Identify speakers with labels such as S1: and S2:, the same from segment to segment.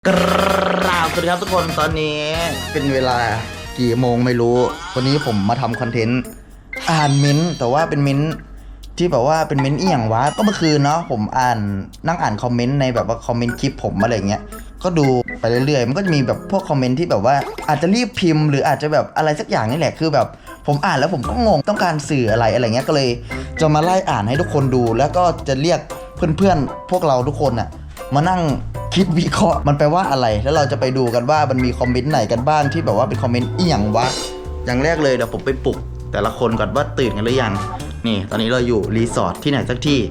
S1: กราบสวัสดีครับทุกคนตอนนี้เป็นเวลากี่โมงไม่รู้วันนี้ผมมาทำคอนเทนต์อ่านมิ้นท์แต่ว่าเป็นมิ้นท์ที่แบบว่าเป็นมิ้นท์อีหยังวะก็เมื่อคืนเนาะผมนั่งอ่านคอมเมนต์ในแบบว่าคอมเมนต์คลิปผมอะไรเงี้ยก็ดูไปเรื่อยๆมันก็จะมีแบบพวกคอมเมนต์ที่แบบว่าอาจจะรีบพิมพ์หรืออาจจะแบบอะไรสักอย่างนี่แหละคือแบบผมอ่านแล้วผมก็งงต้องการสื่ออะไรเงี้ยก็เลยจะมาไล่อ่านให้ทุกคนดูแล้วก็จะเรียกเพื่อนๆพวกเราทุกคนอะมานั่งคิดวิเคราะห์มันแปลว่าอะไรแล้วเราจะไปดูกันว่ามันมีคอมเมนต์ไหนกันบ้างที่แบบว่าเป็นคอมเมนต์อีหยังวะอย่างแรกเลยเดี๋ยวผมไปปลุกแต่ละคนก่อนว่าตื่นกันหรือยังนี่ตอนนี้เราอยู่รีสอร์ทที่ไหนสักที่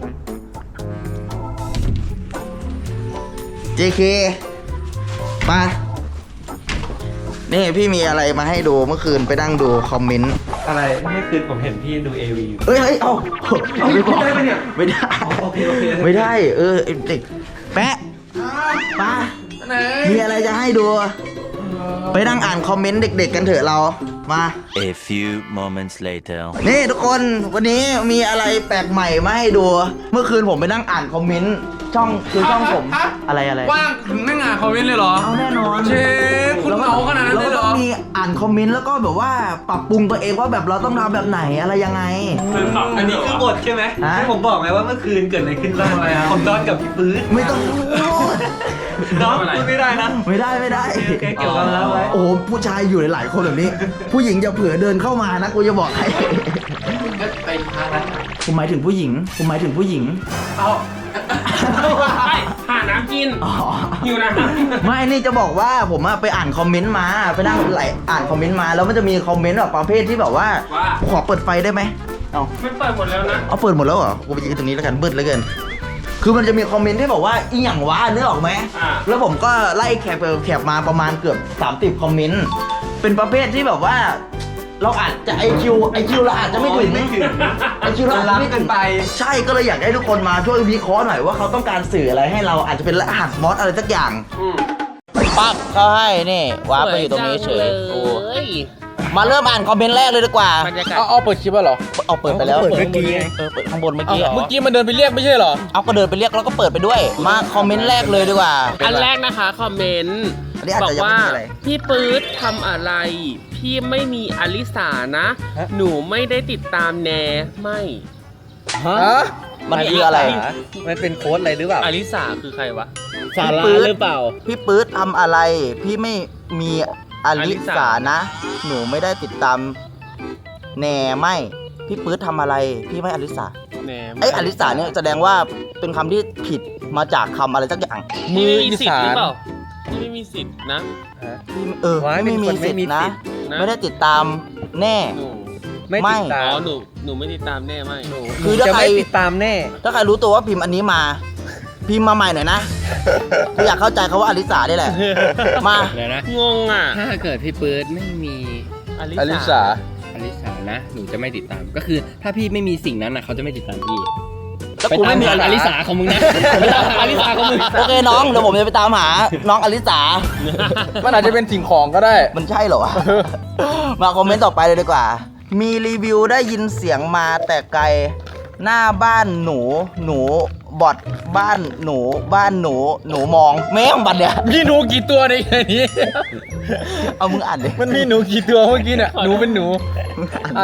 S1: JK มานี่พี่มีอะไรมาให้ดูเมื่อคืนไปนั่งดูคอมเมนต์
S2: อะไรเมื่อคืนผมเห็นพี่ดู AV
S1: เฮ้ยเอาไปบอก
S2: ได้ไหมเนี่ย
S1: ไม่ได้
S2: โอเค
S1: ไม่ได้เด็กแปะป้ามีอะไรจะให้ดูไปนั่งอ่านคอมเมนต์เด็กๆกันเถอะเรามา
S3: A few moments later
S1: นี่ทุกคนวันนี้มีอะไรแปลกใหม่มาให้ดูเมื่อคืนผมไปนั่งอ่านคอมเมนต์ช่องผมอะไร
S4: ว่างถึงนั่งอ่านคอมเมนต์เลยเหรอ
S1: เอาแน่นอน
S4: เชฟคุณเหงาขนาดนั้นเลยเหรอ
S1: แล้วก็ต้องมีอ่านคอมเมนต์แล้วก็แบบว่าปรับปรุงตัวเองว่าแบบเราต้องทำแบบไหนอะไรยังไง
S2: อันนี้คือบทใช่ไหม
S1: ฮะ
S2: ที่ผมบอกไงว่าเมื่อคืนเกิดอะไรขึ้นบ้างผมนอนกับพี่ปื๊ด
S1: ไม่ต้องพูด
S2: น้องพูดไม่ได้นะ
S1: ไม่ได้
S2: โอเคเก็บความลับไว้
S1: โอ้ผู้ชายอยู่หลายๆคนแบบนี้ ผู้หญิงจะเผื่อเดินเข้ามานะกูจะบอกให้
S4: ก็ไปพาแล้ว
S1: ผมหมายถึงผู้หญิง
S4: เอาไปหาน้ำกิน
S1: อ๋อ
S4: หิวน้ำ
S1: ไม่นี่จะบอกว่าผมไปอ่านคอมเมนต์มาไปนั่งอ่านคอมเมนต์มาแล้วมันจะมีคอมเมนต์แบบประเภทที่แบบว่าขอเปิดไฟได้ไหมเอา
S4: ไม่เปิดหมดแล้วนะ
S1: เอาเปิดหมดแล้วเหรอกูไปยืนตรงนี้แล้วกันมืดเหลือเกินคือมันจะมีคอมเมนต์ที่บอกว่าอีหยังวะนึกออกไหมแล้วผมก็ไล่แคปมาประมาณเกือบ30คอมเมนต์เป็นประเภทที่แบบว่า เราอาจจะไอคิวเราอาจจะไม่ถึงไอคิวเราอาจจะไม่ถึงไปใช่ก็เลยอยากให้ทุกคนมาช่วยวิเคราะห์หน่อยว่าเขาต้องการสื่ออะไรให้เราอาจจะเป็นรหัสมอสอะไรสักอย่างปั๊บเขาให้นี่วาร์ปไปอยู่ตรงนี้เฉยมาเริ่มอ่านคอมเมนต์แรกเลยดีกว่า
S5: เอาเปิดคลิปแล้วเหรอ
S1: เอาเปิดไปแล้ว
S2: เปิดเมื่อกี้ไง
S1: เปิดข้างบนเมื่อกี้
S5: เมื่อกี้มันเดินไปเรียกไม่ใช่เหรอ
S1: เอาก็เดินไปเรียกแล้วก็เปิดไปด้วยมาคอมเมนต์แรกเลยดีกว่า
S6: อันแรกนะคะคอมเมนต์
S1: อันนี้อาจ
S6: บอ
S1: จะ
S6: ก
S1: ยัง
S6: ว่า
S1: ไม่มีอะไร
S6: พี่ปื๊ดทำอะไร พี่ไม่มีอลิสานะ หนูไม่ได้ติดตามแนไม่
S5: ฮะ
S1: มันคืออะไร
S2: มันเป็นโค้ดอะไรหรือเปล่า
S6: อลิสาคือใครวะ
S5: สาราหรือเปล่า
S1: พี่ปื๊ดทำอะไร พี่ไม่มีอลิสานะ หนูไม่ได้ติดตามแน่ไม่พี่ปื๊ดทำอะไร พี่ไม่อลิสา
S6: แน
S1: ไอ้อลิสาเนี่ยแสดงว่าเป็นคำที่ผิดมาจากคำอะไรสักอย่าง
S6: พี่ไม่มีสิทธิ์หรือเปล่าพี่ไม่มีสิทธิ์นะ
S1: พี่
S2: ว้าย
S1: ไม่มี
S2: เป็นคน
S1: สิท
S2: ไม่มี
S1: ธิ์นะ
S2: สิทธิ์
S6: นะ
S1: ไม่ได้ติดตามแน่
S6: หนู
S2: ไม่ติดตา
S6: อ๋อ
S2: ม
S6: หนูไม่ติดตามแน่ไม่
S1: คือถ้า
S2: จะ
S1: ใคร
S2: ไม่ติดตามแน่
S1: ถ้าใครรู้ตัวว่าพิมพ์อันนี้มา พิมพ์มาใหม่หน่อยนะกูอยากเข้าใจเขาว่าอลิสาได้แหละ มา
S5: เดี๋ยวนะ
S6: งงอ่ะ
S5: ถ้าเกิดพี่ปื๊ดไม่มี
S6: อ
S5: อ
S6: ลิ
S5: ลิ
S6: สา
S5: สาอลิสานะ หนูจะไม่ติดตาม ก็คือถ้าพี่ไม่มีสิ่งนั้นนะเขาจะไม่ติดตามพี่
S1: แล้ว
S5: ไป
S1: กู
S5: ตา
S1: ไม่
S5: ม
S1: มี
S5: หาอลิสาของมึงนะไปตามหาอลิสาของมึง
S1: โอเคน้องเดี๋ยวผมจะไปตามหาน้องอลิสา
S5: มันอาจจะเป็นสิ่งของก็ได้
S1: มันใช่เหรอวะ มาคอมเมนต์ต่อไปเลยดีกว่า มีรีวิวได้ยินเสียงมาแต่ไกล หน้าบ้านหนูบอดบ้านหนูมองแม่งบัดเนี่ย
S5: มีหนูกี่ตัวในนี้
S1: เอามึงอ่านดิ
S5: มันมีหนูกี่ตัวเมื่อกี้เนี่ยหนูเป็นหนูอ่ะ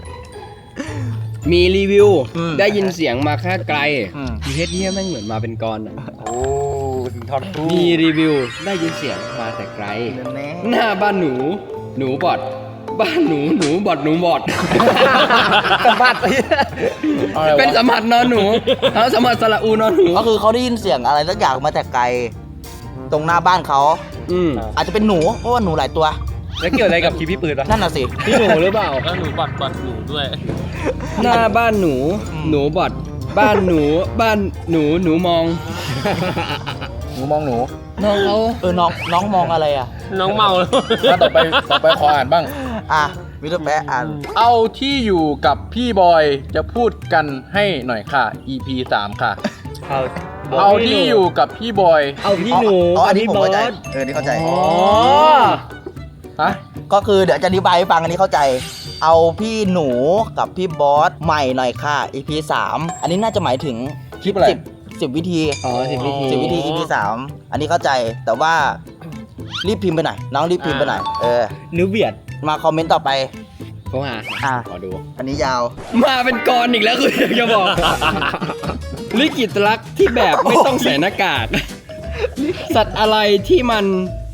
S5: มีรีวิวได้ยินเสียงมาแค่ไกลมีเฮ็ดเนี่ยแม่งเหมือนมาเป็นกรอ่ะ
S2: โอ้ถึงทอนคู่
S5: มีรีวิวได้ยินเสียงมาแต่ไกล
S1: แน่
S5: หน้าบ้านหนูบอดบ้านหนูบอดหนูบอด
S2: สะบัดไป
S5: เป็นสมผัสนอนหนูแล้วสมผัสสระอูนอนหนู
S1: ก็คือเขาได้ยินเสียงอะไรสักอย่างมาแต่ไกล ตรงหน้าบ้านเขา อาจจะเป็นหนูเพราะว่าหนูหลายตัว
S2: แล้วเกี่ยวอะไรกับคลิปพี่ปื๊ดวะ
S1: นั่นน่ะสิ
S5: พี่หนูหรือเปล่า
S6: แล้วหนูบอดหนูด้วย
S5: หน้าบ้านหนูบอดบ้านหนูมอง
S2: หนูมองหนู
S5: น้องเขา
S1: น้องมองอะไรอ่ะ
S6: น้องเมาแล้ว
S5: ต่อไปขออ่านบ้าง
S1: อ่ะมิสเตอร์แป๊ะอ่าน
S5: เอาที่อยู่กับพี่บอยจะพูดกันให้หน่อยค่ะ EP 3 ค่ะ เอาที่อยู่กับพี่บอย
S2: เอาพี่หนู
S1: อ๋ออันนี้ผมเข้าใจนี่เข้าใจ
S5: อ๋อฮะ
S1: ก็คือเดี๋ยวจะอธิบายให้ฟังอันนี้เข้าใจ เอาพี่หนูกับพี่บอสใหม่หน่อยค่ะ EP 3 อันนี้น่าจะหมายถึง
S5: คลิปอะไร
S1: 10 วิธี
S5: อ๋อ10 วิธี
S1: 10 วิธี EP 3 อันนี้เข้าใจแต่ว่ารีบพิมพ์ไปหน่อยน้องรีบพิมพ์ไปหน่อย
S5: นิ้วเบียด
S1: มาคอมเมนต์ต่อไป
S5: เขาหา ขอดู
S1: อันนี้ยาว
S5: มาเป็นกรอีกแล้วคือจะบอก ลิขิตรักที่แบบไม่ต้องใส่หน้ากาก สัตว์อะไรที่มัน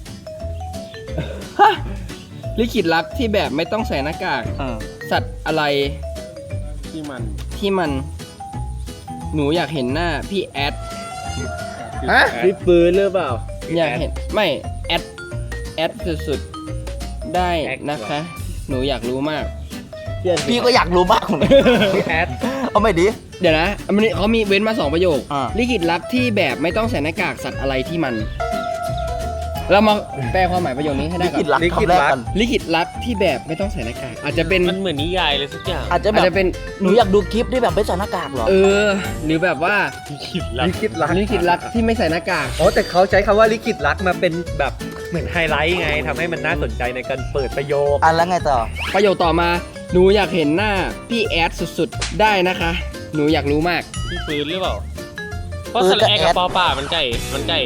S5: ฮะลิขิตรักที่แบบไม่ต้องใส่หน้ากาก สัตว์อะไรที่มันหนูอยากเห็นหน้าพี่แอด
S1: ฮะ
S5: พี่ปืนหรือเปล่า อยากเห็นไม่แอดสุดๆได้นะคะ หนูอยากรู้มาก
S1: พี่ก็อยากรู้บ้างพี่แอดเอาไม่ดี
S5: เดี๋ยวนะมันเขามีเว้นมา2 ประโยค
S1: อ่า
S5: ลิขิตรักที่แบบไม่ต้องใส่หน้ากากสัตว์อะไรที่มัน เรามาแปลความหมายประโยคนี้ให้ได้
S1: ลิ
S5: ก่อ
S1: ขิต
S5: น
S1: รักคำแรกกัน
S5: ลิขิตรักที่แบบไม่ต้องใส่หน้ากากอาจจะเป็น
S6: มันเหมือนนิยายเลยสักอย่าง
S1: อาจจะ
S5: อาจจะ
S1: แบบ
S5: เป็น
S1: หนูอยากดูคลิปที่แบบไม่ใส่หน้ากากเหรอ
S5: หรือแบบว่าลิขิตรักที่ไม่ใส่หน้ากาก
S2: อ๋อแต่เขาใช้คำว่าลิขิตรักมาเป็นแบบเหมือนไฮไลท์ไงทำให้มันน่าสนใจในการเปิดประโยค
S1: อันแล้วไงต่อ
S5: ประโยคต่อมาหนูอยากเห็นหน้าพี่แอดสุดๆได้นะคะ หนูอยากรู้มาก
S6: พี่ปืนหรือเปล่า เพราะสระแอกับปอป่ามันไก่มันไก่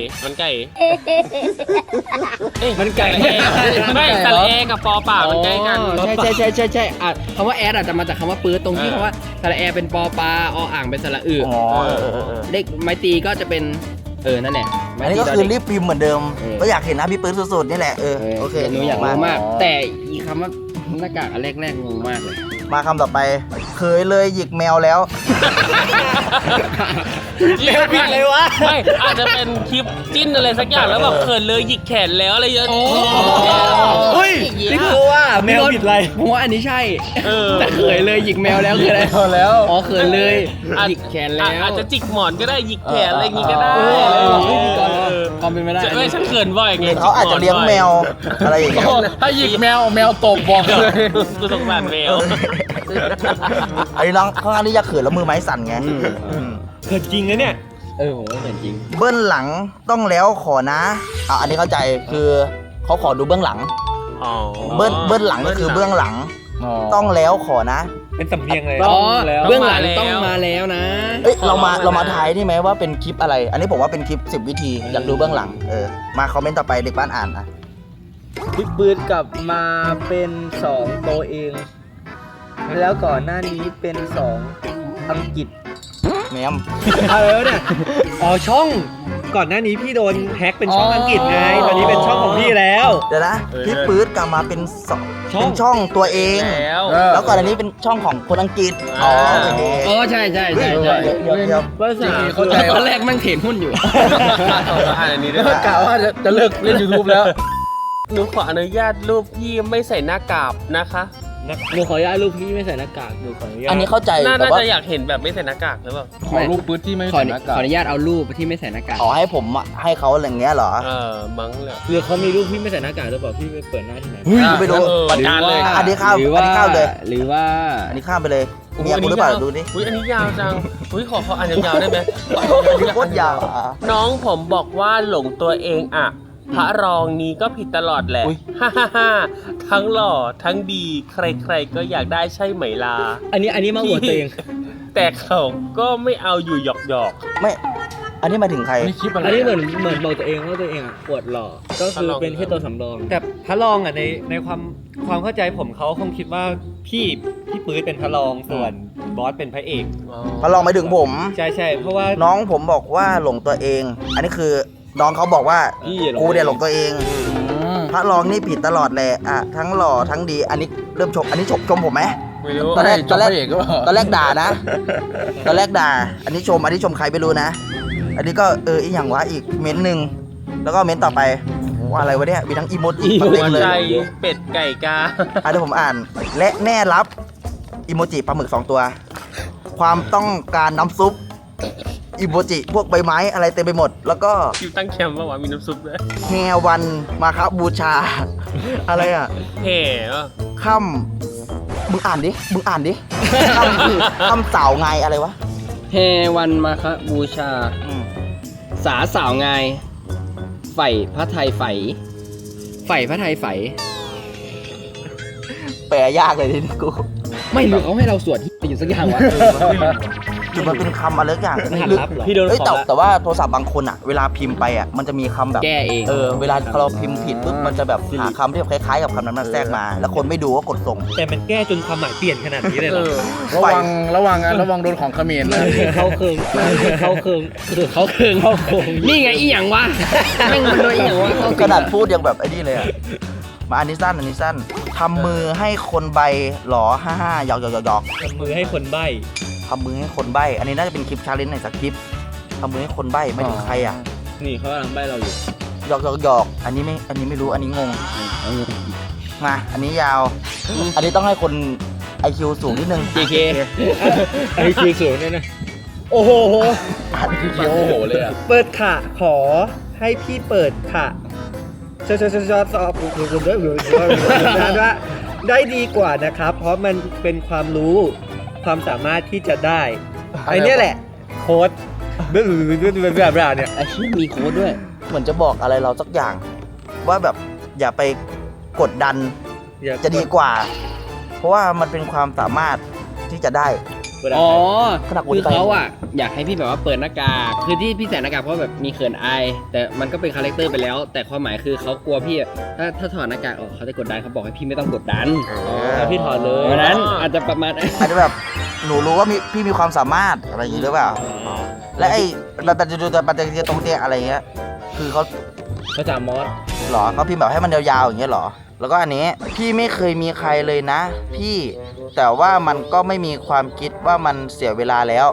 S6: เอ้ย
S5: มันไก่
S6: ไม่สระแอกับปอป่ามันใกล้กัน
S5: ใช่คำว่าแอดอาจจะมาจากคำว่าปื๊ดตรงที่คำว่าสระแอเป็นปอปลาออ่างเป็นสระอึ
S1: อ๋อ
S5: เลขไม้ตีก็จะเป็นนั่นแหละ
S1: อันนี้ก็คือรีบพิมพ์เหมือนเดิม
S5: เออ
S1: ก็อยากเห็นหน้าพี่ปื้นสุดๆนี่แหละโอเค
S5: หนูอยากรู้มาก แต่อีคำว่าหน้ากากอันแรกๆงงมากเลย
S1: มาคำต่อไป เคยเลยหยิกแมวแล้ว
S6: แมวผิดเลยวะไม่อาจจะเป็นคลิปจิ้นอะไรสักอย่างแล้วแบบเขินเลยหยิกแขนแล้วอะไรเยอะ
S5: เฮ้ย
S2: นี่คือว่าแมวผิดอะไร
S5: ผมว่าอันนี้ใช่แต่เขยเลยหยิกแมวแล้วคืออะไร
S2: แล้ว
S5: อ๋อเขินเลยหยิกแขนแล้ว
S6: อาจจะจิกหมอนก็ได้หยิกแขนอะไรอย่างงี้ก็ได้
S5: พิธีกรความเป็นไปได้
S6: ไม่ฉันเขินบ่อยไง
S1: เขาอาจจะเลี้ยงแมวอะไรอย่างเงี้ย
S5: ถ้าหยิกแมวตบบอกเลย
S6: กูสงสารแมว
S1: อันนี้น้องข้างล่างนี่อยากเขินแล้วมือไม้สั่นไง
S2: เกิดจริงนะเนี่ย
S5: ผมว่าเหมือนจริง
S1: เบื้องหลังต้องแล้วขอนะอันนี้เข้าใจคือเขาขอดูเบื้องหลัง เบื้องหลังก็คือเบื้องหลังต้องแล้วขอนะ
S2: เป็นสำเนียงเลย
S5: อ๋อ
S2: แล้ว
S5: เบื้องหลังต้องมาแล้วนะ
S1: เอ้ยเรามาทายได้ไหมว่าเป็นคลิปอะไร อันนี้ผมว่าเป็นคลิป 10 วิธีอยากดูเบื้องหลังมาคอมเมนต์ต่อไปเด็กบ้านอ่านอ่ะ
S7: พี่ปืนกลับมาเป็น2ตัวเอง แล้วก่อนหน้านี้เป็น2อังกฤษ
S1: แมม
S2: เนี่ยอ๋อช่องก่อนหน้านี้พี่โดนแฮ็กเป็นช่องอังกฤษไงตอนนี้เป็นช่องของพี่แล้ว
S1: เดี๋ยวนะพี่ปื๊ดกลับมาเป็นช่องตัวเอง แล้วก่อนอันนี้เป็นช่องของคนอังกฤษโอเค
S5: อ๋อใช่
S1: เดี๋ยว
S5: ภาษาเข้าใจตอนแรกมั่งเห็นหุ้นอยู่
S6: อ่านอันนี้ด้วย
S5: กล่าวว่าจะเลิกเล่น YouTube แล้ว
S6: หนูขออนุญาตรูปพี่ไม่ใส่หน้ากากนะคะ
S7: หนูขออนุญาตลูกพี่ไม่ใส่หน้ากากหนูขออนุญาต
S1: อันนี้เข้าใจ
S6: น่า
S1: แต่ว่า
S6: จะอยากเห็นแบบไม่ใส่หน้ากากหรือเปล่า
S5: ขอรูปปื๊ดที่ไม่ใส่หน้ากากขออนุญาตเอารูปที่ไม่ใส่หน้ากาก
S1: ขอให้ผมให้เขาอะไรอย่างเงี้ยเหรอ
S6: มั้งเลย
S7: หรือเขามีลูกพี่ไม่ใส่หน้ากากหรือเปล่าพี่ไปเปิดหน้าที่ไหน
S1: ไม่รู้
S6: ประจานเลย
S1: อันนี้ข้ามเลย
S5: หรือว่า
S1: อันนี้ข้ามไปเลยเมียกูหรือเปล่าดูดิ
S6: อุ้ยอันนี้ยาวจังอุ้ยขออ่านยาวๆได้ไหม
S1: โคตรยาว
S6: น้องผมบอกว่าหลงตัวเองอะพระรองนี้ก็ผิดตลอดแหละฮ่าฮ่าฮ่าทั้งหล่อทั้งดีใครๆก็อยากได้ใช่ไหมล่ะ
S7: อันนี้มาหัวตัวเอง
S6: แต่เขาก็ไม่เอาอยู่หยอก
S1: ไม่ อันนี้หมายถึงใคร
S5: ไม่คลิปอะไร
S7: อันนี้เหมือนบอกตัวเองว่าตัวเองอ่ะปวดหล่อก็คือเป็นแค่ตัวสำรอง
S2: แต่พระรองอ่ะในความเข้าใจผมเขาคงคิดว่าพี่ปื๊ดเป็นพระรองส่วนบอสเป็นพระเอก
S1: มาลองไปถึงผม
S2: ใช่เพราะว่า
S1: น้องผมบอกว่าหลงตัวเอง อันนี้คือน้องเขาบอกว่า
S7: พี่หลง
S1: กูเนี่ยหลงตัวเอง พระรองนี่ผิดตลอดแหละทั้งหล่อทั้งดี อันนี้เริ่มชม อันนี้ชมผมไหม
S6: ๆไม่รู้
S1: ตอนแรก
S5: ตอนแรก
S1: ด่านะ ตอนแรกด่า อันนี้ชมใครไม่รู้นะ อันนี้ก็อีกอย่างวะอีกเม้นต์หนึ่งแล้วก็เม้นต์ต่อไปว่าอะไรวะเนี่ยมีทั้งอีโมจิมาเต็ม
S6: หัว
S1: เลย
S6: ใจเป็ดไก่กา
S1: เดี๋ยวผมอ่าน และแน่รับอีโมจิปลาหมึก2 ตัว ความต้องการน้ำซุปอีโมจิพวกใบไม้อะไรเต็มไปหมด แล้วก็
S6: คิวตั้งแคมป์ป่าวะมีน้ำซุปด้วย
S1: แฮวันมาครับบูชา อะไรอ่ะ
S6: แห่วะ
S1: ค่ำมึงอ่านดิค่ำคือค่ำสาวไงอะไรวะ
S5: เฮวันมาคบูชา สาสาวงายไฝ่พระไทยไฝ่พระไทยไฝ่
S1: แปลยากเลยทีนี้กู
S5: ไม่รู้เขาให้เราสวดที่อยู่สักอย่างวะ
S1: หรือมันเป็นคำอะไรสักอย่าง
S2: รหัส
S1: หรือ
S2: ลับเหรอ
S6: พี่โดน
S1: เอ้ย
S6: ของละ
S1: แต่ว่าโทรศัพท์บางคนอ่ะเวลาพิมพ์ไปอ่ะมันจะมีคำแบบ
S5: แก้เอง
S1: เวลาเราพิมพ์ผิดปุ๊บมันจะแบบหาคำที่คล้ายๆกับคำนั้นมาแทรกมา แล้วคนไม่ดูก็กดส่ง
S2: แต่มันแก้จนความหมายเปลี่ยนขนาดนี้เลยเหรอ
S8: ระวังโดนของเขมรนะ
S2: เขาเคืองเขาเคืองเขาเคืองเขาเคือง
S5: นี่ไงอีหยังวะแม่งมันโดนอีหยังวะ
S1: ขนาดพูดยังแบบไอ้นี่เลยอ่ะมาอันนี้สั้นทำมือให้คนใบหรอ55หยอก
S2: ทำมือให้คนใบ้
S1: ทำมือให้คนใบอันนี้น่าจะเป็นคลิปชาเลนจ์ไหนสักคลิปทำมือให้คนใบไม่ถึงใครอ่ะ
S7: นี่เขากำลังใบเราอยู่
S1: หยอกอันนี้ไม่รู้อันนี้งงมาอันนี้ยาว อันนี้ต้องให้คน IQ สูงนิดนึง
S5: JK
S2: ไอ้คือสูงเนี่ยนะ
S8: โอ้โหเขียวโอ้โหเลยอ่ะ
S2: เปิดค่ะขอให้พี่เปิดค่ะชอบคุณด้วยว่าได้ดีกว่านะครับ เพราะมันเป็นความรู้ความสามารถที่จะได้ไอ้เนี่ยแหละโค้ดเบื่อเนี่ย
S5: อาชีพมีโค้ดด้วย
S1: เหมือนจะบอกอะไรเราสักอย่าง ว่าแบบอย่าไปกดดันจะดีกว่า เพราะว่ามันเป็นความสามารถที่จะได้
S5: อ๋อ
S1: ขนาดกู
S5: คือ
S1: ไป
S5: เขาอ่ะอยากให้พี่แบบว่าเปิดหน้ากาก คือที่พี่ใส่หน้ากากเพราะแบบมีเขินอาย แต่มันก็เป็นคาแรคเตอร์ไปแล้ว แต่ความหมายคือเขากลัวพี่อะถ้าถอดหน้ากากออกเขาจะกดดันเขาบอกให้พี่ไม่ต้องกดดัน
S2: เอาพี่ถอดเลย
S5: เพราะฉะนั้นอาจจะประมาณ
S1: อาจจะแบบหนูรู้ว่าพี่มีความสามารถอะไรอย่างนี้หรือเปล่า และไอ้เราจะดูแต่ปัจจัยตรงเตี้ยอะไรเงี้ยคือเขา
S2: ภาษามอส
S1: หรอเขาพิมพ์แบบให้มันยาวๆอย่างเงี้ยหรอ แล้วก็อันนี้พี่ไม่เคยมีใครเลยนะ พี่แต่ว่ามันก็ไม่มีความคิดว่ามันเสียเวลาแล้ว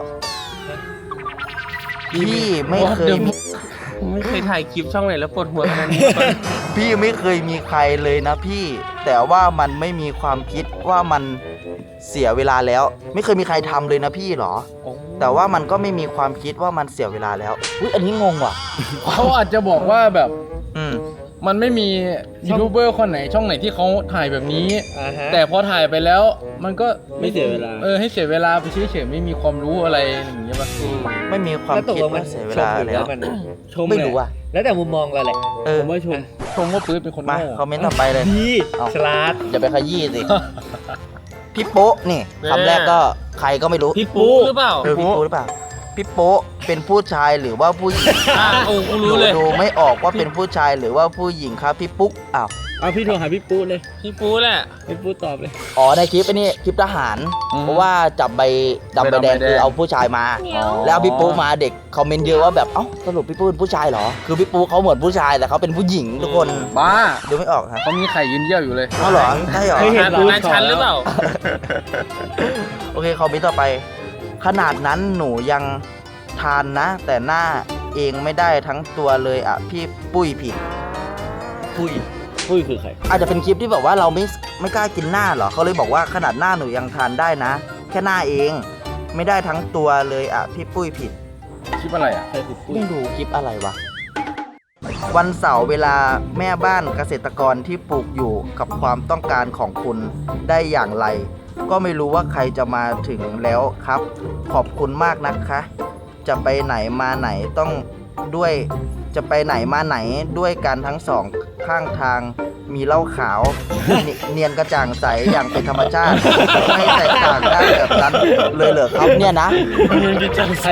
S1: พี่ไม่เคยมี
S6: ไม่เคยถ่ายคลิปช่องไหนแล้วปวดหัวขนาดนี้
S1: พี่ไม่เคยมีใครเลยนะพี่ แต่ว่ามันไม่มีความคิดว่ามันเสียเวลาแล้ว ไม่เคยมีใครทำเลยนะพี่หรอ แต่ว่ามันก็ไม่มีความคิดว่ามันเสียเวลาแล้วอุ๊ยอันนี้งงว่ะ
S8: เขาอาจจะบอกว่าแบบ
S1: อืม
S8: มันไม่มียูทูบเบอร์คนไหนช่องไหนที่เขาถ่ายแบบนี้
S2: แต่
S8: แต่พอถ่ายไปแล้วมันก็
S2: ไม่เสียเวลา
S8: ให้เสียเวลาไปเฉยๆไม่มีความรู้อะไรอย่างเงี้ยป่ะ
S1: ไม่มีความ
S2: แล้วตก
S1: คิด
S2: ลงมั
S1: ว่านเสียเวลา
S2: ชมหรือ
S1: แล้ว
S2: ว่ามัน
S1: ไม่รู้อ่ะ
S2: แล้วแต่มุมมองเราแหละ
S1: ผมว่าชม
S8: ชมว่าปื๊ดเป็นคน
S1: มา
S8: โง่
S1: คอมเมนต์ต่อไปเลย
S2: ดี
S1: เอา
S2: ฉลาด
S1: อย่าไปขยี้สิ พี่โป๊ะนี่คำแรกก็ใครก็ไม่รู้
S6: พี่ปูหรือเปล่า
S1: พี่โป๊ะหรือเปล่าพี่โป๊ะเป็นผู้ชายหรือว่าผู้หญิง
S6: โอ้กูรู้เลย
S1: ดูไม่ออกว่าเป็นผู้ชายหรือว่าผู้หญิงครับพี่ปุ๊กอ้าว
S2: เอาพี่โทรหาพี่ปูเลย
S6: พี่ปูแหละ
S2: พี่ปูตอบเลย
S1: อ๋อในคลิปไอ้นี่คลิปทหาร เพราะว่าจับใบดำใบแดงคือเอาผู้ชายมา แล้วเอาพี่ปุ๊กมาเด็กคอมเมนต์เยอะว่าแบบเอ้าสรุปพี่ปุ๊กเป็นผู้ชายเหรอคือพี่ปุ๊กเขาเหมือนผู้ชายแต่เขาเป็นผู้หญิงทุกคน
S8: บ้า
S1: ดูไม่ออกครับ
S8: เขามีไข่ยืนเยี่ยวอยู่เลย
S1: เอาเหรอใช่เหรอ
S2: ไม่เห็น
S6: งานชั้นหรือเปล่า
S1: โอเคคอมเมนต์ต่อไป ขนาดนั้นหนูยังทานนะ แต่หน้าเองไม่ได้ทั้งตัวเลยอ่ะพี่ปุ้ยผิด
S2: ปุ้ยคือใคร
S1: อาจจะเป็นคลิปที่แบบว่าเราไม่กล้ากินหน้าเหรอเขาเลยบอกว่าขนาดหน้าหนูยังทานได้นะ แค่หน้าเองไม่ได้ทั้งตัวเลยอ่ะพี่ปุ้ยผิด
S8: คลิปอะไรอ่ะ
S1: ไม่รู้คลิปอะไรวะวันเสาร์เวลาแม่บ้านเกษตรกรที่ปลูกอยู่กับความต้องการของคุณได้อย่างไร ก็ไม่รู้ว่าใครจะมาถึงแล้วครับ ขอบคุณมากนะคะ จะไปไหนมาไหนต้องด้วยจะไปไหนมาไหนด้วยกันทั้งสองข้างทางมีเหล้าขาว เนียนกระจ่างใสอย่างเป็นธรรมชาติ ไม่แตกต่างได้แบบนั้นเลยเหรอครับเนี่ยนะ
S2: อันนี้โฆษณา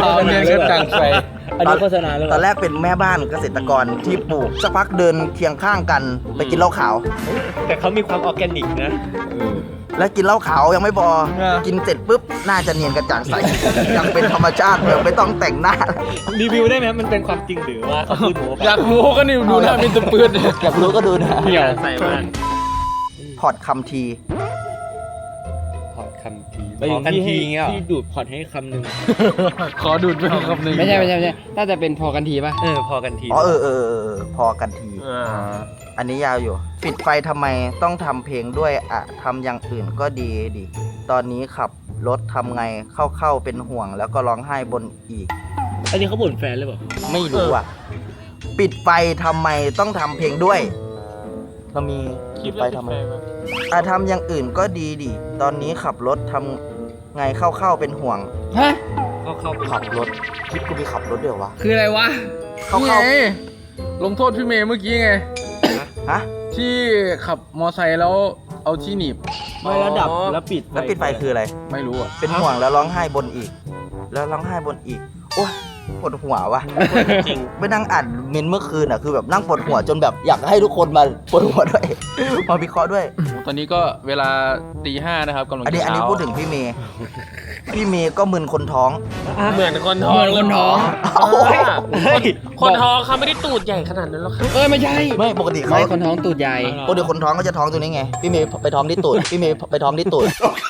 S1: ตอนแรกเป็นแม่บ้านเกษตรกรที่ปลูกสักพักเดินเคียงข้างกันไปกินเหล้าขาว
S2: แต่เขามีความออร์แกนิกนะ
S1: แล้วกินเหล้าขาวยังไม่พอ กินเสร็จปุ๊บน่าจะเนียนกระจ่างใส ยังเป็นธรรมชาติแบบไม่ต้องแต่งหน้า
S2: รีวิวได้ไหมมันเป็นความจริงหรือว่าเขาพูดหมู
S8: อยากรู้ก็นี่ดูหน้าเป็นตะปืด
S1: อยากรู้ก็ดูนะ
S2: เหี่ยว
S6: ใส่มาก
S1: พอร์ตคำที
S2: พอดคำทีพอกันทีเงี้ยพี่ดูดพอดให้คำหนึ่ง
S8: ขอดูดเป็นคำหนึ่ง
S5: ไม่ใช่น่าจะเป็นพอกันทีป่ะ
S2: พอกันที
S1: อ๋อพอกันที อันนี้ยาวอยู่ ปิดไฟทำไมต้องทำเพลงด้วยอะทำอย่างอื่นก็ดีดิตอนนี้ขับรถทำไงเข้าเป็นห่วงแล้วก็ร้องไห้บนอีก
S2: อันนี้เขาบ่นแฟนหรือเปล่า
S1: ไม่รู้อ่ะ ปิดไฟทำไมต้องทำเพลงด้วย เรามีปิดไฟทำไมทำอย่างอื่นก็ดีดิตอนนี้ขับรถทำไงเข้าเป็นห่วง
S5: ฮะ
S2: เข้าไป
S1: ขับรถคลิปกูมีขับรถเดี๋ยววะ
S5: คืออะไรวะ
S1: เข้า
S8: นี่ไงลงโทษพี่เมย์เมื่อกี้ไง
S1: ฮะ
S8: ที่ขับมอไซค์แล้วเอาที่หนีบ
S2: ไม่ระดับแล้วปิด
S1: แล้วปิดไฟคืออะไร
S8: ไม่รู้อ่ะ
S1: เป็นห่วงแล้วร้องไห้บนอีกแล้วร้องไห้บนอีก โอ้ยปวดหัววะ
S6: จริง
S1: ไปนั่งอ่านเมนต์เมื่อคืนอ่ะคือแบบนั่งปวดหัวจนแบบอยากให้ทุกคนมาปวดหัวด้วย มาวิเคราะห์ด้วย
S8: ตอนนี้ก็เวลาตี 5นะครับกำลัง
S1: อันนี้
S8: จะ
S1: อันนี้
S8: เช้า
S1: พูดถึงพี่เมย์พี่เมย์ก็มึนคนท้อง
S6: เหมือนคนท้อง
S5: เหมือนคนท้อง
S6: คนท้องเขาไม่ได้ตูดใหญ่ขนาดนั้นหรอกครับ
S5: ไม่ใช่
S1: ไม่ปกติเขา
S5: ไม่คนท้องตูดใหญ่
S1: ปกติคนท้องก็จะท้องตัวนี้ไงพี่เมย์ไปท้องที่ตูดพี่เมย์ไปท้องที่ตูด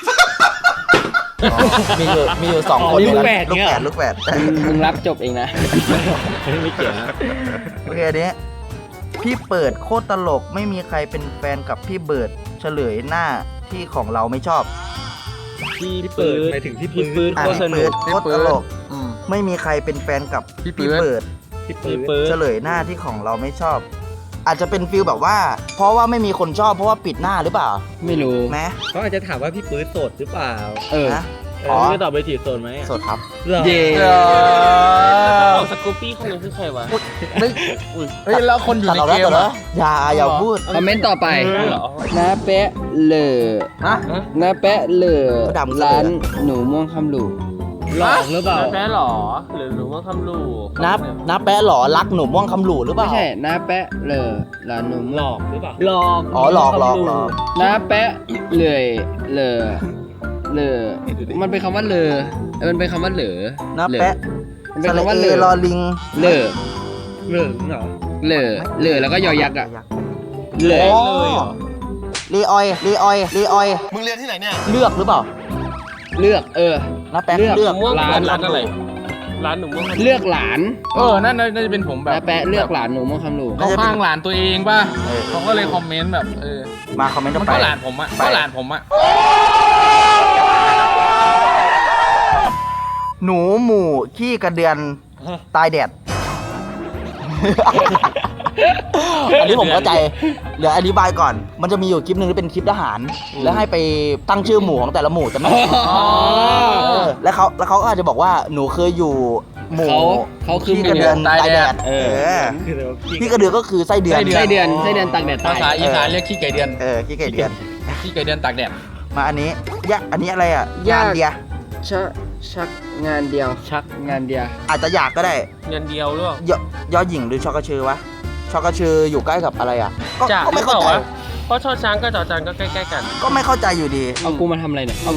S1: มีอยู่2 คน
S5: ลูกแฝด
S1: ลูก
S5: เนี่ย
S1: แฝดลูกแฝด
S5: มึงรับจบเองนะ
S2: ไม่เกี่ยวนะ
S1: โอเคอันนี้พี่เปิดโคตรตลกไม่มีใครเป็นแฟนกับพี่เบิร์ดเฉลยหน้าที่ของเราไม่ชอบ
S2: พี่เปิดไปถึงพี่ปื๊ด
S1: อ่ะ
S2: โคตรส
S1: พี่
S2: นุ
S1: เปิ
S2: ก
S1: ดโคตรตลก
S8: อืม
S1: ไม่มีใครเป็นแฟนกับ
S8: พี่
S1: พี่
S8: เบิ
S1: เปิ
S8: ร์
S1: ด
S8: ด
S2: พี่ปื๊ด
S1: เฉลยหน้าที่ของเราไม่ชอบ อาจจะเป็นฟิลแบบว่า เพราะว่าไม่มีคนชอบเพราะว่าปิดหน้าหรือเปล่า
S5: ไม่รู้
S1: ไหม
S2: เขาอาจจะถามว่าพี่ปื๊ดโสดหรือเปล่า
S1: นะ
S2: อ๋อไม่ตอบไปจีบโสดไหม
S1: สดครับ
S2: หรอ
S5: เย่
S6: ของสกูปปี้คนนึงคือใครวะ
S1: ไม่
S8: เฮ้ยแล้วคนอยู่
S1: ตัด
S8: ใน
S1: เรา
S8: เก
S1: แล้ว
S8: ม
S1: ตัดแล้ว
S8: อะ
S1: อย่าพูด
S5: คอมเมนต์ต่อไป
S6: เหรอ
S5: น้าแปะเหล่อ
S8: ฮะ
S5: น้าแปะเหล่อ
S1: ดำก็เหล่อ
S5: ร้านหนูม่วงคำหลู
S2: หลอกหรือเปล่า
S6: แป๊ะหรอ หรือว่าคำลูก
S1: นับแปะหรอรักหนุ่มม่วงคำหลู่หรือเป
S5: ไม่
S1: ล่า
S5: ใช่น้าแปะเหล่อร้านหนู
S2: หล
S5: ม่วง
S2: อกหรือเปล่าหลอก
S1: อ๋อหลอก
S5: น้าแปะเหล่อเหล่อเหล่อมันเป็นคำว่าเหล่อมันเป็นคำว่าเหล่อ
S1: นับแปะ
S5: มันเป็นคำว่า
S1: ส
S5: เห
S1: ระ
S5: ล่
S1: เอรอ
S5: อ
S1: ลิง
S5: เหล่อ
S2: เหลืองเหรอ
S5: เหล่อเหล่อแล้วก็ยอยักษ์อะเห
S1: เล
S5: ล่อย
S1: ลีออยมึงเรียนที่ไหนเนี่ยเลือกหรือเปล่า
S5: เลือก
S1: นับแปะ
S5: เลือก
S1: เลือก
S6: ม่วง
S5: ร้าน
S6: ร้านอะไร ร้านหนูม่วง
S5: เลือกหลาน
S8: นั่นน่าจะเป็นผมแบบ
S5: น้าแปะเลือกหลานหนูม่วงคำหลู
S8: เขาข้างหลานตัวเองป่ะ
S1: เออ
S8: เขาก็เลยคอมเมนต์แบบ
S1: มาคอมเมนต์ต่
S8: มั
S1: อน ไป
S8: ก็หลานผมอะก็หลานผมอะ
S1: หนูหมู่ขี้กระเดือนตายแดด อันนี้ผมเข้าใจ เดี๋ยวอธิบายก่อน มันจะมีอยู่คลิปหนึ่งที่เป็นคลิปทหาร แล้วให้ไปตั้งชื่อหมู่ของแต่ละหมู่จะไม่แล้วเขาก็อาจจะบอกว่าหนูเคยอยู่หมู่
S5: เขาคือ
S1: ขี้กระเดือนตายแดด
S2: คือเดี๋ยวพี่
S1: ขี้กระเดือนก็คือไส้เดือน
S5: ไส้เดือนตากแดด
S8: ภา
S5: ตาย
S8: ษาอีสานเรียกขี้ไก่เดือน
S1: ขี้ไก่เดือน
S8: ขี้ไก่เดือนตากแดด
S1: มาอันนี้อันนี้อะไรอ่ะงานเดีย
S5: ชักงานเดียวชักงานเดียว
S1: อาจจะอยากก็ได้
S6: เงินเดียวหรือเปล่าย
S1: อหญิงหรือชอกระเชอวะชอกระเชออยู่ใกล้กับอะไรอ่ะ
S6: จ่า
S1: ก็
S6: หรื
S1: ไม่
S6: อเป
S1: เข้า
S6: ล่า
S1: ใจ
S6: วะเพราะชอช้างกับจอจานก็ใกล้ๆกัน
S1: ก็ไม่เข้าใจอยู่ดี
S5: เอากูมาทำอะไรเนี่ย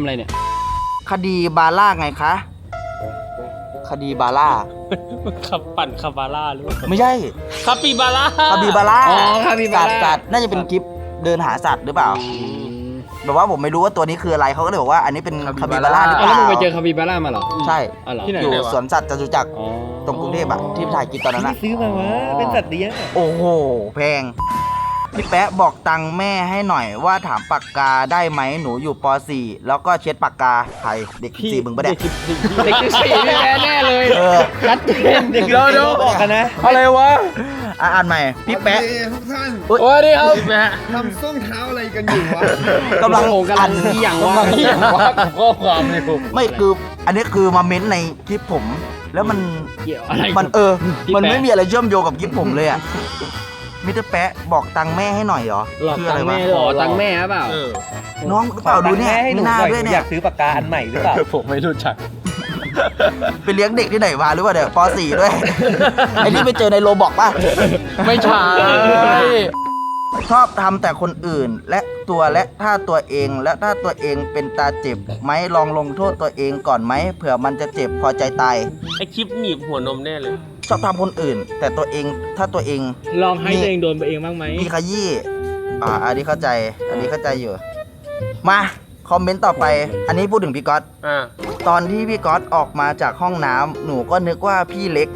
S1: คดีบาร่าไงคะ คดีบาร่า
S6: ขับปั่นคาบาร่าหรือเปล่า
S1: ไม่ใช่
S6: คาปิบาร่า
S1: คาบิบาร่า
S5: อ๋อคาบิบาร่า
S1: สัตว์น่าจะเป็นคลิปเดินหาสัตว์หรือเปล่าแบบว่าผมไม่รู้ว่าตัวนี้คืออะไรเขาก็เลยบอกว่าอันนี้เป็นคาบิบาร่าหรือเป
S5: เอา
S1: ล่า
S5: แล้วมึงไปเจอคาปิบาร่ามาเหรอ
S1: ใช่
S5: อ๋อเหรอ
S8: ที่ไหน
S1: อยู่
S8: เนี่ยวะ
S1: สวนสัตว์จตุจักร
S5: อ๋อ
S1: ตรงกรุงเทพอะที่ถ่ายคลิปตอนนั้น
S2: ไม่
S1: อะ
S2: ซื้อมาวะเป็นสัตว์เลี้ยงอะ
S1: โอ้โหแพงพี่แป๊ะบอกตังค์แม่ให้หน่อยว่าถามปากกาได้ไหมหนูอยู่ป .4 แล้วก็เช็ดปากกาใครเด็กสี่มึงปะเนี่ย
S5: เด็กที่สี่พี่แพ้แน่เลย
S1: เออ
S5: ชัดเจน
S2: เด็ก
S8: เดี๋ยว
S2: บอกกันนะ
S8: อะไรวะ
S1: อ่านใหม่พี่แป๊ะ
S9: ทุกท่าน
S8: โอ้ยนี่ครับ
S6: แม่
S9: ทำส้มเท้าอะไรกันอยู่วะ
S1: กำลัง
S5: โอ้โหกำลังที่อย่างว่า
S8: เหี้ยว่ากับข้อความเลยกู
S1: ไม่คืออันนี้คือมาเม้นในคลิปผม แล้วมัน
S5: เกี่ยวอะไร
S1: มัน
S5: พี่
S1: มัน
S5: แป๊ะ
S1: ไม่มีอะไรเชื่อมโยงกับคลิปผมเลยอ่ะมิสเตอร์แป๊ะบอกตังค์แม่ให้หน่อยเหรอ
S2: หลอก
S1: คืออะไร
S2: ตังค์แม่
S1: วะ
S5: ขอตังค์แม่หรือเปล่า
S6: เออ
S1: น้องหรือเปล่าดูเนี่ย
S2: ให้ห
S1: มี
S2: นู
S1: หน้า
S2: หน่อย
S1: ด้วย
S2: หนู
S1: เนี่
S2: อย ยากซื้อปากกาอันใหม่หรือเปล่า
S8: ผมไม่รู้จัก
S1: ไปเลี้ยงเด็กที่ไหนมาหรือว่าเดี๋ยวป .4 ด้วย ไอ้ที่ไปเจอในโรบอกป่ะ
S8: ไม่ใช่
S1: ชอบทำแต่คนอื่นและถ้าตัวเองและถ้าตัวเองเป็นตาเจ็บไหมลองลงโทษตัวเองก่อนไหมเผื่อมันจะเจ็บพอใจตาย
S6: ไอคลิปหนีบหัวนมแน่เลย
S1: ชอบทำคนอื่น แต่ตัวเองถ้าตัวเอง
S2: ลองให้ตัวเองโดนไปเองบ้างไหม
S1: มีขยี้อันนี้เข้าใจ อันนี้เข้าใจอยู่ มาคอมเมนต์ต่อไป อันนี้พูดถึงพี่ก๊อต
S6: อ่า
S1: ตอนที่พี่ก๊อตออกมาจากห้องน้ำหนูก็นึกว่าพี่เล็ก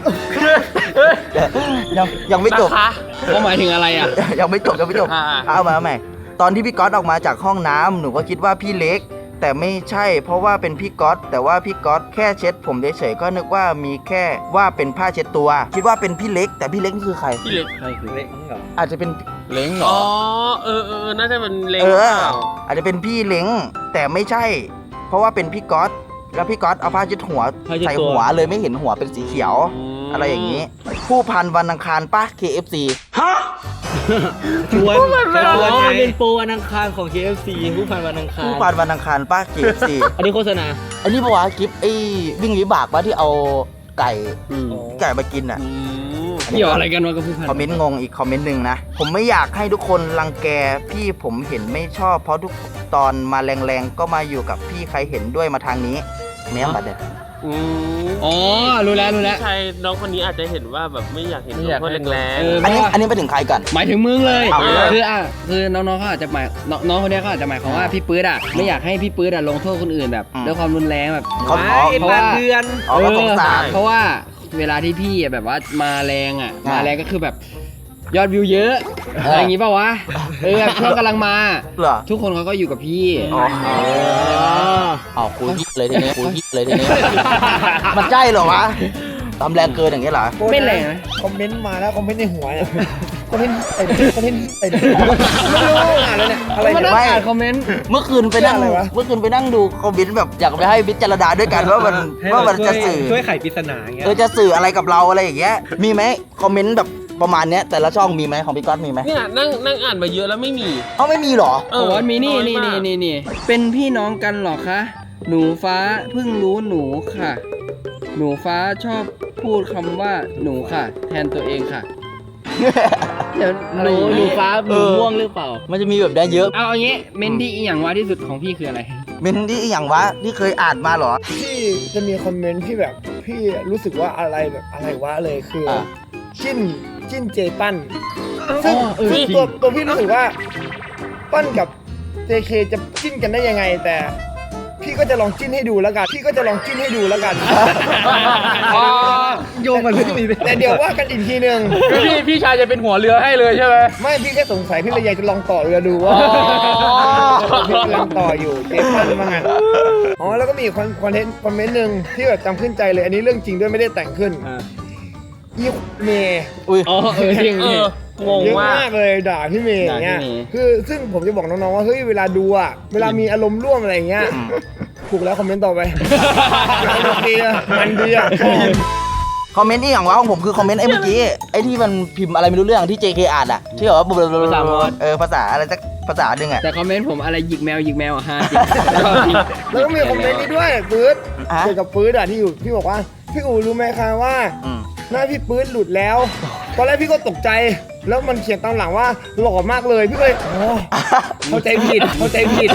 S1: ยังไม่จบ
S6: นะคะ
S5: เขาหมายถึงอะไรอ่ะ
S1: ยังไม่จบ
S6: อ่า
S1: เอามาใหม่ ตอนที่พี่ก๊อตออกมาจากห้องน้ำหนูก็คิดว่าพี่เล็ก แต่ไม่ใช่ เพราะว่าเป็นพี่ก๊อตแต่ว่าพี่ก๊อตแค่เช็ดผมเฉยๆก็นึกว่ามีแค่ว่าเป็นผ้าเช็ดตัว คิดว่าเป็นพี่เล็ก แต่พี่เล็กนี่คือใคร
S6: พี่เล็ก
S2: ใครคือเล็กเหรอ
S1: อาจจะเป็น
S8: เล้งเหรอ
S6: อ๋อ น่าจะเป็นเล็ง
S1: เอ
S6: เป
S1: อ
S6: ล่า
S1: อาจจะเป็นพี่เล้งแต่ไม่ใช่ เพราะว่าเป็นพี่ก๊อตแล้วพี่ก๊อตเอาผ้าเช็ดหัวใส่หัวเลยไม่เห็นหัวเป็นสีเขียว
S6: อืม
S1: อะไรอย่างนี้ ผู้พันวันอังคารป่ะ KFC
S7: ชวนเป็นโปรวันอังคารของ KFC ผู้พันวันอังคาร
S1: ผู้พันวันอังคารป่ะ KFC
S7: อันนี้โฆษณา
S1: อันนี้ปะวะคลิปไอ้วิ่งวิบากป่ะที่เอาไก่มากินอ่ะ
S5: เกี่ยวอะไรกันวะกับผู้พัน
S1: คอมเมนต์งงอีกคอมเมนต์หนึ่งนะ ผมไม่อยากให้ทุกคนรังแกพี่ผมเห็นไม่ชอบ เพราะทุกตอนมาแรงๆก็มาอยู่กับพี่ใครเห็นด้วยมาทางนี้แม้บัดเด็ด
S5: อ๋อรู้แล้ว
S6: ใช่น้องคนนี้อาจจะเห็นว่าแบบไม่อยากเห็น
S8: ไม่อยาก
S6: คน
S8: ให้
S6: แรง
S1: อันนี้ไปถึงใครก่อน
S5: หมายถึงมึงเลย
S1: เอาเลย
S5: คือน้องๆเขาอาจจะหมายน้องคนเนี้ยเขาอาจจะหมายความว่าพี่ปื๊ดอ่ะไม่อยากให้พี่ปื๊ดอ่ะลงโทษคนอื่นแบบด้วยความรุนแรงแบบ
S1: เขา
S5: เพราะว่า
S2: เดือน
S1: อ๋อก็สงสาร
S5: เพราะว่าเวลาที่พี่อะแบบว่ามาแรงอ่ะมาแรงก็คือแบบยอดวิวเยอะอะไรอย่างงี้ป่าวะแบบช่วงกำลังมา
S1: เหรอ
S5: ทุกคนเขาก็อยู่กับพี่
S1: อ๋อคุยยิบเลยทีนี้คุยยิบเลยทีนี้ มันใช่เหรอวะทำแรงเกินอย่างเงี้ยเหรอ
S5: ไม่แรงนะ
S9: คอมเมนต์มาแล้วคอมเมนต์ในหัวเนี่ยคอมเมนต์ไอ้คอมเมนต์ไอ้ไม่รู้อ่านแล้วเนี่ยอะไร
S5: มา
S9: เนี่ย
S5: นั่ง
S1: ไม่
S5: อ่านคอมเมนต์
S1: เมื่อคืนไปนั่ง
S9: อะไรวะ
S1: เมื่อคืนไปนั่งดูคอมเมนต์แบบอยากไปให้พิจารณาด้วยกันว่ามันจะสื่อ
S2: ช่วยไขปริศนาอย่างเงี้ย
S1: จะสื่ออะไรกับเราอะไรอย่างเงี้ยมีไหมคอมเมนต์แบบประมาณเนี้ยแต่ละช่องมีไหมของพี่ก๊อตมีไหม
S6: ๆเนี่ยนั่งอ่านมาเยอะแล้วไม่มี
S1: เอ้าไม่มีเหรอ
S5: โอ้โหมีนี่
S6: อย
S5: นี่
S6: มาก
S5: นี่เป็นพี่น้องกันเหรอคะ หนูฟ้าเพิ่งรู้หนูค่ะ หนูฟ้าชอบพูดคำว่าหนูค่ะ แทนตัวเองค่ะ เดี๋ยว
S7: หนูฟ้าหนูม่วงหรือเปล่า
S1: มันจะมีแบบนี้เยอะ
S5: เอาอย่างงี้เมนที่อีหยังวะที่สุดของพี่คืออะไร
S1: เมนที่อย่างวะที่เคยอ่านมาเหรอ
S9: ที่จะมีคอมเมนต์ที่แบบพี่รู้สึกว่าอะไรแบบอะไรวะเลยคืออจิ้นเจปั้นซึ่ง
S5: เออ
S9: ซึ่ง
S5: จริง
S9: ตัวพี่รู้สึกว่าปั้นกับ JK จะจิ้นกันได้ยังไง แต่พี่ก็จะลองจิ้นให้ดูแล้วกันโยงมาเรื่องนี้แต่เดี๋ยวว่ากันอีกทีหนึ่ง
S8: คือพี่ชายจะเป็นหัวเรือให้เลยใช่ไหม
S9: ไม่พี่แค่สงสัยพี่เลยอยากจะลองต่อเรือดูว่าพี่กำลังต่ออยู่เจปั้นมางั้นอ๋อแล้วก็มีคอนเทนต์คอมเมนต์หนึ่งที่แบบจำขึ้นใจเลยอันนี้เรื่องจริงด้วยไม่ได้แต่งขึ้นอีเมย์
S5: อ๋อจริง
S6: งง
S9: เยอะ
S6: มาก
S9: มากเลยด่าพี่เมย์อย่างเงี้ย
S5: ด่าพี่เมย์
S9: คือซึ่งผมจะบอกน้องๆว่าเฮ้ยเวลาดูอ่ะเวลามีอารมณ์ร่วมอะไรอย่างเงี้ยถูกแล้วคอมเมนต์ต่อไปดีอ่ะมันดีอ่ะชอบ
S1: คอมเมนต์ที่อย่างวะของผมคือคอมเมนต์ไอ้เมื่อกี้ไอ้ที่มันพิมพ์อะไรไม่รู้เรื่องที่ JK อ่านอะที่แบบว่าภาษาอะไรสักภาษาหนึ่งอะ
S5: แต่คอมเมนต์ผมอะไรหยิกแมวอ่ะฮะ
S9: แล้วก็มีคอมเมนต์นี้ด้วยปื๊ด
S1: อ่ะ
S9: เกี่ยวกับปื๊ดอ่ะที่อยู่พี่บอกว่าพี่อู๋รู้ไหมคะว่า
S1: อืม
S9: หน้าพี่ปื๊ดหลุดแล้ว ตอนแรกพี่ก็ตกใจ แล้วมันเขียนตามหลังว่าหล่อมากเลยพี่ก็เลยอ๋อเข้าใจผิดเข้าใจผิด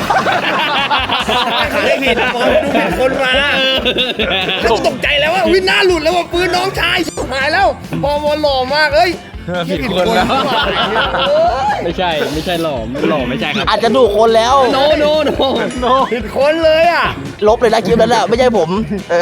S9: คนดูผิดคนมาแล้วก็ตกใจแล้วว่าวิหน้าหลุดแล้วว่าปื๊ดน้องชายหายแล้วพอหล่อมากเอ้ย
S8: ผิดคนแล้ว
S5: ไม่ใช่หล่อไม่ใช่ครับ
S1: อาจจะดูคนแล้ว
S5: โน
S9: ผิดคนเลยอ่ะ
S1: ลบเลยนะคลิปนั้นแหละไม่ใช่ผม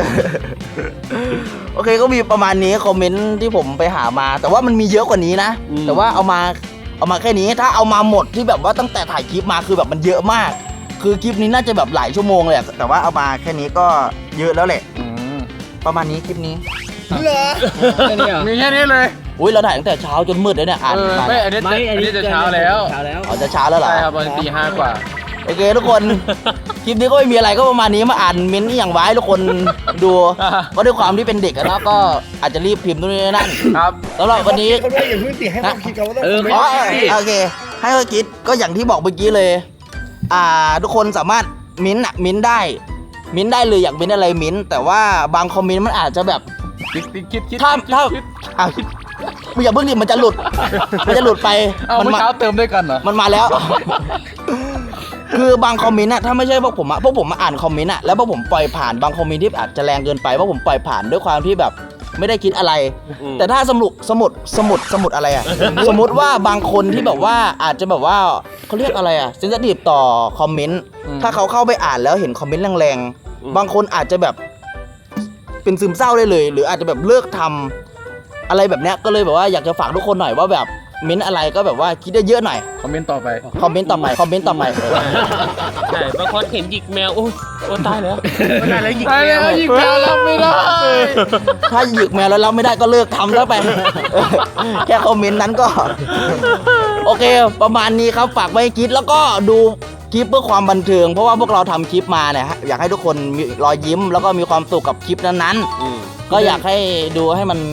S1: โอเคก็มีประมาณนี้คอมเมนต์ที่ผมไปหามา แต่ว่ามันมีเยอะกว่านี้นะ แต่ว่าเอามาแค่นี้ถ้าเอามาหมดที่แบบว่าตั้งแต่ถ่ายคลิปมาคือแบบมันเยอะมาก คือคลิปนี้น่าจะแบบหลายชั่วโมงเลยอะแต่ว่าเอามาแค่นี้ก็เยอะแล้วแหละประมาณนี้คลิปนี้
S9: เหรอ
S5: แค่นี้เหรอ
S8: มีแค่นี้เลย
S1: อุ้ยเราถ่ายตั้งแต่เช้าจนมืดเลยเนี่ยอ่าน
S8: ไม่อันนี้จะเช้าแล้ว
S1: อ๋อจะเช้าแล้วเหรอ
S8: ใช่ครับตอนตี 5 กว่า
S1: โอเคทุกคน คลิปนี้ก็ไม่มีอะไรก็ประมาณนี้มาอ่านเม้นต์อย่างไว้ทุกคนดูก็ด้วยความที่เป็นเด็กอะนะก็อาจจะรีบพิมพ์นู่นนี่นั่น
S8: ครับ
S1: แล้วเราวันนี้
S9: เขาด้วยอย่าเพิ่งติให้เขาคิดเขาว่าต้องคอมเมน
S1: อ๋อ
S9: ต์
S1: โอเคให้เขาคิดก็อย่างที่บอกเมื่อกี้เลยทุกคนสามารถมิ้นท์ได้เลยอยากมิ้นท์อะไรมิ้นท์แต่ว่าบางคอมเมนต์มันอาจจะแบบ
S8: คิด
S1: ถ้ามึงอย่าเพิ่งดิมันจะหลุดไป
S8: เอาเมื่อเช้าเติมด้วยกันเหรอ
S1: มันมาแล้ว คือบางคอมเมนต์อะถ้าไม่ใช่พวกผมมาอ่านคอมเมนต์อะแล้วพวกผมปล่อยผ่านบางคอมเมนต์ที่อาจจะแรงเกินไปเพราะผมปล่อยผ่านด้วยความที่แบบไม่ได้คิดอะไร แต่ถ้าสมุดอะไรอะ สมมติว่าบางคนที่แบบว่าอาจจะแบบว่าเขาเรียกอะไรอะเซนซิทีฟต่อคอมเมนต์ถ้าเขาเข้าไปอ่านแล้วเห็นคอมเมนต์แรงๆบางคนอาจจะแบบเป็นซึมเศร้าได้เลย หรืออาจจะแบบเลิกทำอะไรแบบเนี้ยก็เลยแบบว่าอยากจะฝากทุกคนหน่อยว่าแบบเม้นอะไรก็แบบว่าคิดได้เยอะหน่อย
S8: คอมเมนต์ต่อไป
S1: คอมเมนต์ต่อไป
S6: ใช่บางคนเห็นหยิกแมวโอ้ตายแล้ว
S8: หยิกแมวรับไม่ได้
S1: ถ้าหยิกแมวแล้วรับไม่ได้ก็เลิกทำแล้วไป แค่คอมเมนต์นั้นก็ โอเค ประมาณนี้ครับฝากไว้คิดแล้วก็ดูคลิปเพื่อความบันเทิงเพราะว่าพวกเราทำคลิปมาเนี่ยอยากให้ทุกคนมีรอยยิ้มแล้วก็มีความสุขกับคลิปนั้นๆก็อยากให้ดูให้มัน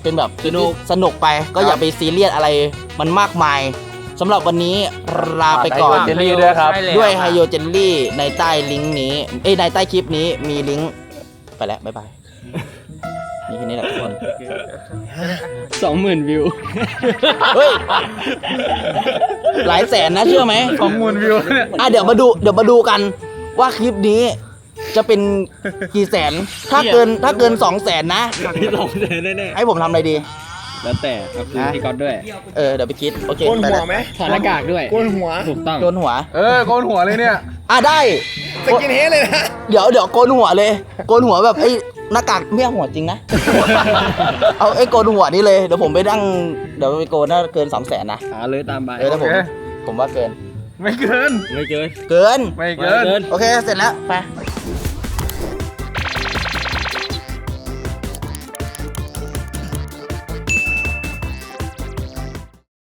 S1: เป็นแบบคลิปที่สนุกไปก็อย่าไปซีเรียสอะไรมันมากมายสำหรับวันนี้ลาไปก่อน
S5: เจลลี่ด้วยครับ
S1: ด้วยไฮโยเจลลี่ในใต้ลิงก์นี้ในใต้คลิปนี้มีลิงก์ไปแล้วบ๊ายบายมีแค่นี้แหละทุกคน
S5: 20,000 วิว
S1: เฮ้ยหลายแสนนะเชื่อไหม
S8: 20,000 วิวเนี่ย
S1: เดี๋ยวมาดูกันว่าคลิปนี้จะเป็นกี่แสนถ้าเกิน200,000นะให้ผมทำอะไรดี
S5: แล้วแต่ก็คือพี่ก๊อตด้วย
S1: เดี๋ยวไปคิดโอเค
S9: โกน
S1: ไป
S9: หัว
S1: แล้ว
S9: ไหม
S5: ถอดหน้ากากด้วย
S9: โกนหัว
S5: ถูกต้อง
S1: โกนหัว
S8: โกนหัวเลยเนี่ย
S1: ได้
S9: สกินเฮดเลยนะ
S1: เดี๋ยวโกนหัวเลยโกนหัวแบบไอ้หน้ากากไม่เอาหัวจริงนะ เอาไอ้โกนหัวนี่เลยเดี๋ยวผมไปนั่งเดี๋ยวไปโกนถ้าเกิน300,000นะ
S5: หาเลยตามไป
S1: ถ้าผมว่าเกิน
S8: ไม่เกิน
S5: ไม่เกิน
S1: เกิน
S8: ไม่เกิน
S1: โอเคเสร็จแล้วไป